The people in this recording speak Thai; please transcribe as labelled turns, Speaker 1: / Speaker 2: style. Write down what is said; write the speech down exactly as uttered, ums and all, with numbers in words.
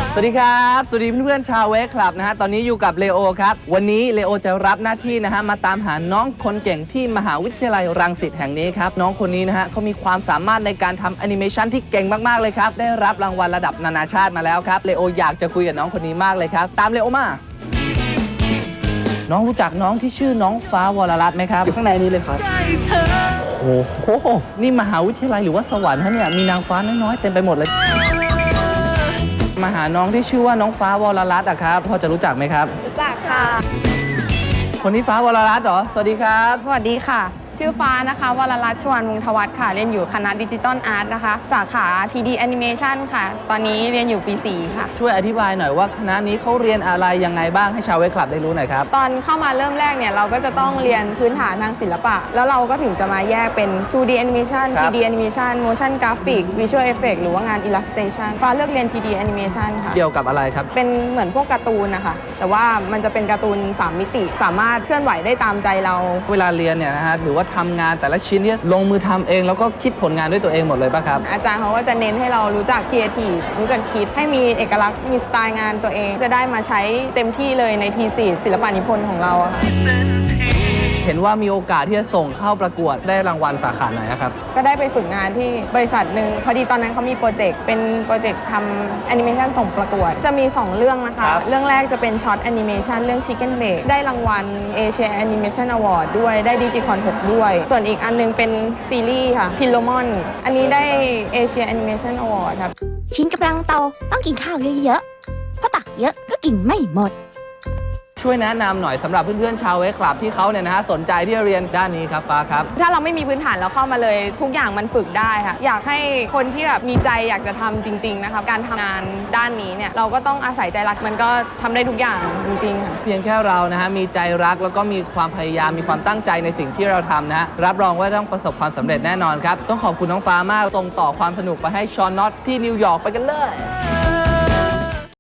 Speaker 1: สวัสดีครับสวัสดีเพื่อนๆชาวเวกคลับนะฮะตอนนี้อยู่กับเลโอครับวันนี้เลโอจะรับหน้าที่นะฮะมาตามหาน้องคนเก่งที่มหาวิทยาลัยรังสิตแห่งนี้ครับน้องคนนี้นะฮะเขามีความสามารถในการทำแอนิเมชันที่เก่งมากๆเลยครับได้รับรางวัลระดับนานาชาติมาแล้วครับเลโออยากจะคุยกับน้องคนนี้มากเลยครับตามเลโอมาน้องรู้จักน้องที่ชื่อน้องฟ้าวรรัตน์ไหมครับ
Speaker 2: อยู่ข้างในนี้เลยครับ
Speaker 1: โอ้โหนี่มหาวิทยาลัยหรือว่าสวรรค์ฮะเนี่ยมีนางฟ้าน้อยๆเต็มไปหมดเลยมาหาน้องที่ชื่อว่าน้องฟ้าวรรัตน์อะครับพอจะรู้จักไหมครับ
Speaker 3: รู้จักค่ะ
Speaker 1: คนนี้ฟ้าวรรัตน์เหรอสวัสดีครับ
Speaker 3: สวัสดีค่ะชื่อฟ้านะคะวรรัตน์ชวนวงศ์ทวัฒน์ค่ะเรียนอยู่คณะดิจิตอลอาร์ตนะคะสาขา ที ดี Animation ค่ะตอนนี้เรียนอยู่ปีสี่ค่ะ
Speaker 1: ช่วยอธิบายหน่อยว่าคณะนี้เขาเรียนอะไรยังไงบ้างให้ชาวเวกคลับได้รู้หน่อยครับ
Speaker 3: ตอนเข้ามาเริ่มแรกเนี่ยเราก็จะต้องเรียนพื้นฐานทางศิลปะแล้วเราก็ถึงจะมาแยกเป็น ทู ดี Animation ทรี ดี Animation Motion Graphic Visual Effect หรือว่างาน Illustration ฟ้าเลือกเรียน ที ดี Animation ค่ะ
Speaker 1: เกี่ยวกับอะไรครับ
Speaker 3: เป็นเหมือนพวกการ์ตูนนะคะแต่ว่ามันจะเป็นการ์ตูนสามมิติสามารถเคลื่อนไหวได้ตามใจเรา
Speaker 1: เวลาเรียนเนี่ยนะฮะหรือว่าทำงานแต่ละชิ้นที่ลงมือทำเองแล้วก็คิดผลงานด้วยตัวเองหมดเลยป่ะครับ
Speaker 3: อาจารย์เขาก็จะเน้นให้เรารู้จักครีเอทีฟรู้จักคิดให้มีเอกลักษณ์มีสไตล์งานตัวเองจะได้มาใช้เต็มที่เลยในทีสี่ศิลปะนิพนธ์ของเราอะค่ะ
Speaker 1: เห็นว่ามีโอกาสที่จะส่งเข้าประกวดได้รางวัลสาขาไหนครับ
Speaker 3: ก็ได้ไปฝึกงานที่บริษัทหนึ่งพอดีตอนนั้นเขามีโปรเจกต์เป็นโปรเจกต์ทำแอนิเมชันส่งประกวดจะมีสองเรื่องนะคะเรื่องแรกจะเป็นช็อตแอนิเมชันเรื่อง Chicken Bake ได้รางวัล Asia Animation Award ด้วยได้ Digicon หกด้วยส่วนอีกอันนึงเป็นซีรีส์ค่ะ Philomon อันนี้ได้ Asia Animation Award ครับ
Speaker 4: ชิ้นกำลังโตต้องกินข้าวเยอะๆเพราะตักเยอะก็กินไม่หมด
Speaker 1: ช่วยแนะนำหน่อยสำหรับเพื่อนๆชาวเวกคลับที่เขาเนี่ยนะฮะสนใจที่จะเรียนด้านนี้ครับฟ้าครับ
Speaker 3: ถ้าเราไม่มีพื้นฐานเราเข้ามาเลยทุกอย่างมันฝึกได้ค่ะอยากให้คนที่แบบมีใจอยากจะทำจริงๆนะคะการทำงานด้านนี้เนี่ยเราก็ต้องอาศัยใจรักมันก็ทำได้ทุกอย่างจริงๆค่ะ
Speaker 1: เพียงแค่เรานะฮะมีใจรักแล้วก็มีความพยายามมีความตั้งใจในสิ่งที่เราทำนะฮะรับรองว่าต้องประสบความสำเร็จแน่นอนครับต้องขอบคุณน้องฟ้ามากส่งต่อความสนุกไปให้ชอนน็อตที่นิวยอร์กไปกันเลย